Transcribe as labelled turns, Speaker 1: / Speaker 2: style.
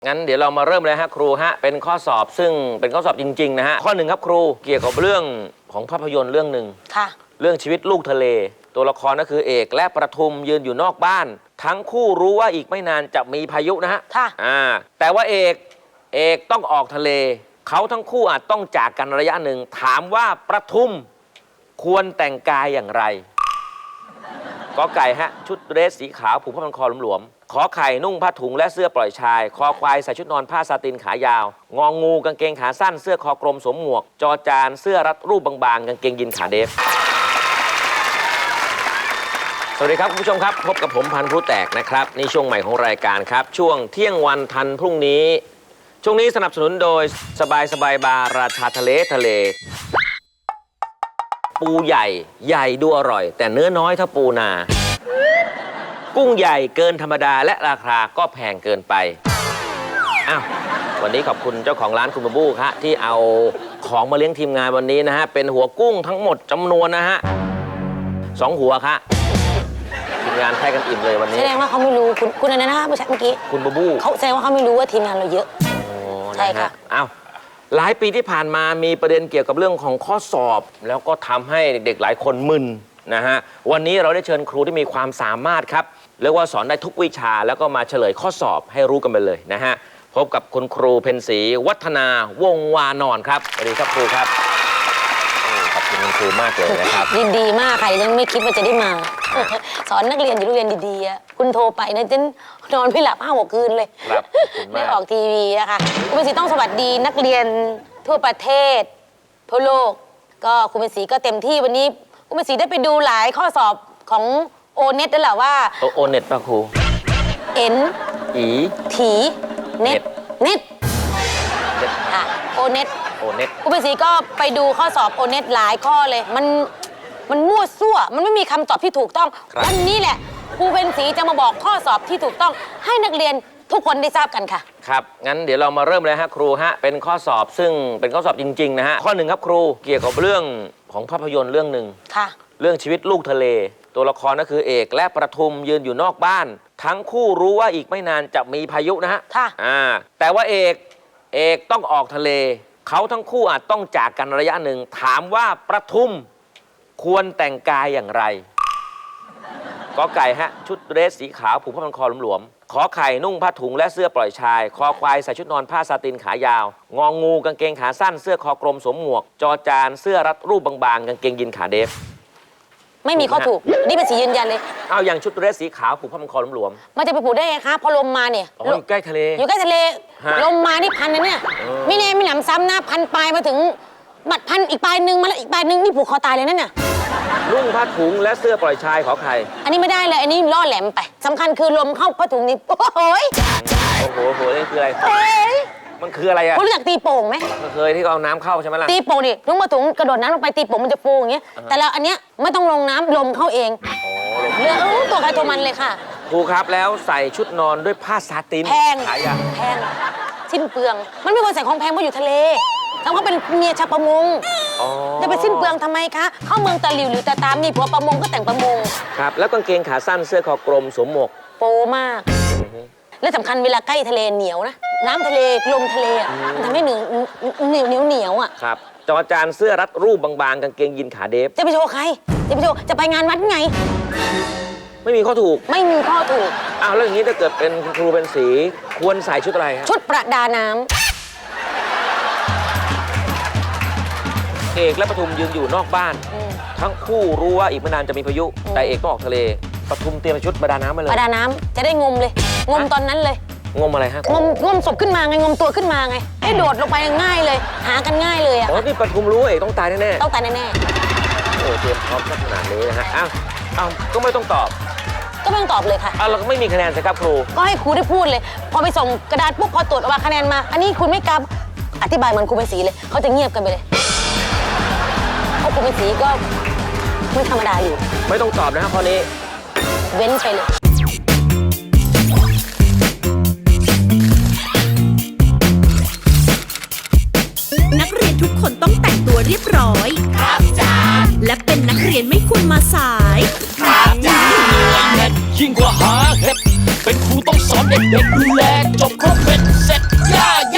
Speaker 1: งั้นเดี๋ยวเรามาเริ่มเลยฮะครูฮะเป็นข้อสอบซึ่งเป็นข้อสอบจริงๆนะฮะข้อหนึ่งครับครูเกี่ยวกับเรื่องของภาพยนตร์เรื่องหนึ่งค่ะเรื่องชีวิตลูกทะเลตัวละครก็คือเอกและประทุมยืนอยู่นอกบ้านทั้งคู่รู้ว่าอีกไม่นานจะมีพายุนะฮะค่ะแต่ว่าเอกต้องออกทะเลเขาทั้งคู่อาจต้องจากกันระยะหนึ่งถามว่าประทุมควรแต่งกายอย่างไรกอไก่ฮะชุดเดรสสีขาวผูกผ้าพันคอหลวมๆขอไข่นุ่งผ้าถุงและเสื้อปล่อยชายคอควายใส่ชุดนอนผ้าซาตินขายาวงองูกางเกงขาสั้นเสื้อคอกลมสวมหมวกจอจานเสื้อรัดรูปบางๆกางเกงยีนขาเดฟสวัสดีครับคุณผู้ชมครับพบกับผมพันธุ์พลุแตกนะครับนี่ช่วงใหม่ของรายการครับช่วงเที่ยงวันทันพรุ่งนี้ช่วงนี้สนับสนุนโดยสบายบาร์ราชาทะเลปูใหญ่ดูอร่อยแต่เนื้อน้อยเท่าปูนากุ้งใหญ่เกินธรรมดาและราคาก็แพงเกินไปอ้าววันนี้ขอบคุณเจ้าของร้านคุณบูครับที่เอาของมาเลี้ยงทีมงานวันนี้นะฮะเป็นหัวกุ้งทั้งหมดจำนวนนะฮะ2 หัวครับทีมงานแพ้กันอิ่มเลยวันนี้
Speaker 2: แสดงว่าเขาไม่รู้คุณอะไรนะเมื่อกี้
Speaker 1: คุณบู
Speaker 2: เขาแสดงว่าเขาไม่รู้ว่าทีมงานเราเยอะใช่ค่ะ
Speaker 1: อ้าวหลายปีที่ผ่านมามีประเด็นเกี่ยวกับเรื่องของข้อสอบแล้วก็ทำให้เด็กๆหลายคนมึนนะฮะวันนี้เราได้เชิญครูที่มีความสามารถครับเรียกว่าสอนได้ทุกวิชาแล้วก็มาเฉลยข้อสอบให้รู้กันไปเลยนะฮะพบกับคุณครูเพ็ญศรีวัฒนาวงวานอนครับสวัสดีครับครูครับขอบคุณคุณครูมากเลยนะครับ
Speaker 2: ยินดีมากใครยังไม่คิดว่าจะได้มาสอนนักเรียนอยู่โรงเรียนดีๆคุณโทรไปนะฉันนอนไม่หลับ5-6 คืนเลย
Speaker 1: ครับ
Speaker 2: ได้ออกทีวีนะคะคุณเพ็ญศรีต้องสวัสดีนักเรียนทั่วประเทศทั่วโลกก็คุณเพ็ญศรีก็เต็มที่วันนี้คุณเพ็ญศรีได้ไปดูหลายข้อสอบของโอเน็ตแล้วแหละว่า
Speaker 1: โอเน็ตป่ะครู
Speaker 2: เอ็น
Speaker 1: อี
Speaker 2: ถีเน็ตค่ะโอเน็ตคุณเพ็ญศรีก็ไปดูข้อสอบโอเน็ตหลายข้อเลยมันมั่วซั่วมันไม่มีคำตอบที่ถูกต้องวันนี้แหละครูเพ็ญศรีจะมาบอกข้อสอบที่ถูกต้องให้นักเรียนทุกคนได้ทราบกันค่ะ
Speaker 1: ครับงั้นเดี๋ยวเรามาเริ่มเลยฮะครูฮะเป็นข้อสอบซึ่งเป็นข้อสอบจริงๆนะฮะข้อหนึ่งครับครูเกี่ยวกับเรื่องของภาพยนตร์เรื่องหนึ่งค่ะเรื่องชีวิตลูกทะเลตัวละครก็คือเอกและประทุมยืนอยู่นอกบ้านทั้งคู่รู้ว่าอีกไม่นานจะมีพายุนะฮะ
Speaker 2: ค่ะ
Speaker 1: แต่ว่าเอกต้องออกทะเลเขาทั้งคู่อาจต้องจากกันระยะหนึ่งถามว่าประทุมควรแต่งกายอย่างไรกอไก่ฮะชุดเดรสสีขาวผูกผ้าพันคอหลวมๆขอไข่นุ่งผ้าถุงและเสื้อปล่อยชายคอควายใส่ชุดนอนผ้าซาตินขายาวงองูกางเกงขาสั้นเสื้อคอกลมสวมหมวกจอจานเสื้อรัดรูปบางๆกางเกงยีนขาเดฟ
Speaker 2: ไม่มีข้อถูกนี่เป็นสียืนยันเลย
Speaker 1: เอาอย่างชุดเดรสสีขาวผูกผ้าพันคอหลวม
Speaker 2: ๆมันจะไปผูกได้ไงคะพอลมมาเนี่ย
Speaker 1: อยู่ใกล้ทะเล
Speaker 2: ลมมานี่พันนะเนี่ยไม่แน่ไม่หนำซ้ำนะพันปลายมาถึงบัดพันอีกปลายนึงมาแล้วอีกปลายนึงนี่ผูกคอตายเลยนั่นน่ะ
Speaker 1: นุ่งผ้าถุงและเสื้อปล่อยชายขอไข่
Speaker 2: อันนี้ไม่ได้เลยอันนี้ล่อแหลมไปสำคัญคือลมเข้าผ้าถุงนี่โอ้โห
Speaker 1: นี่คืออะไรมันคืออะไรอะ
Speaker 2: คุณรู้จักตีโป่งไหม
Speaker 1: เคยที่เอาน้ำเข้าใช่ไหมล่ะ
Speaker 2: ตีโป่งดินุ่งผ้าถุงกระโดดน้ำลงไปตีโป่งมันจะฟูอย่างเงี้ยแต่แล้วอันเนี้ยไม่ต้องลงน้ำลมเข้าเองเรือตัวใครตัวมันเลยค่ะ
Speaker 1: ครูครับแล้วใส่ชุดนอนด้วยผ้าซาติน
Speaker 2: แพงสิ้นเปลืองมันไม่ควรใส่ของแพงเพราะอยู่ทะเลทำเขาเป็นเมียชาวประมงจะไปสิ้นเปลืองทำไมคะเข้าเมืองตะหลิวหรือตะตามนี่ผัวประมงก็แต่งประมง
Speaker 1: ครับแล้วกางเกงขาสั้นเสื้อคอกลมสวมหมวก
Speaker 2: โปมากและสำคัญเวลาใกล้ทะเลเหนียวนะน้ำทะเลลมทะเลมันทำให้เหนียวอ่ะ
Speaker 1: ครับจอจานเสื้อรัดรูปบางๆกางเกงยีนขาเดฟ
Speaker 2: จะไปโชว์ใครจะไปงานวัดไง
Speaker 1: ไม่มีข้อถูก
Speaker 2: อ้
Speaker 1: าวแล้วอย่างนี้ถ้าเกิดเป็นครูเป็นสีควรใส่ชุดอะไรครับ
Speaker 2: ชุดประดาน้ำ
Speaker 1: เอกและประทุมยืนอยู่นอกบ้านทั้งคู่รู้ว่าอีกไม่นานจะมีพายุแต่เอกต้องออกทะเลประทุมเตรียมชุดประดาน้ำมาเลย
Speaker 2: ประดาน้ำจะได้งมเลยงมตอนนั้นเลย
Speaker 1: งมอะไรฮะ
Speaker 2: งมศพขึ้นมาไงงมตัวขึ้นมาไงให้โดดลงไปง่ายเลยหากันง่ายเลยอ่ะ
Speaker 1: นี่ประทุมรู้เอกต้องตายแน่
Speaker 2: ต้องตายแน่
Speaker 1: โอ้เตรียมพร้อมขนาดนี้นะฮะอ้าวก็ไม่ต้องตอบ
Speaker 2: เลยค่ะ
Speaker 1: เราก็ไม่มีคะแนนสิครับครู
Speaker 2: ก็ให้ครูได้พูดเลยพอไปส่งกระดาษปุ๊บพอตรวจออกมาคะแนนมาอันนี้คุณไม่กำอธิบายเหมือนครูเป็นสีเลยเขาจะเงียบกันไปเลยเพราะครูเป็นสีก็ไม่ธรรมดาอยู่
Speaker 1: ไม่ต้องตอบนะครับข้อนี้
Speaker 2: เว้นไปเลย
Speaker 3: นักเรียนทุกคนต้องแต่งตัวเรียบร้อยครับจ้าและเป็นนักเรียนไม่ควรมาสายครับจ้ายิ่งกว่าหาเห็ดเป็นครูต้องสอนเด็กๆดูแลจบครบ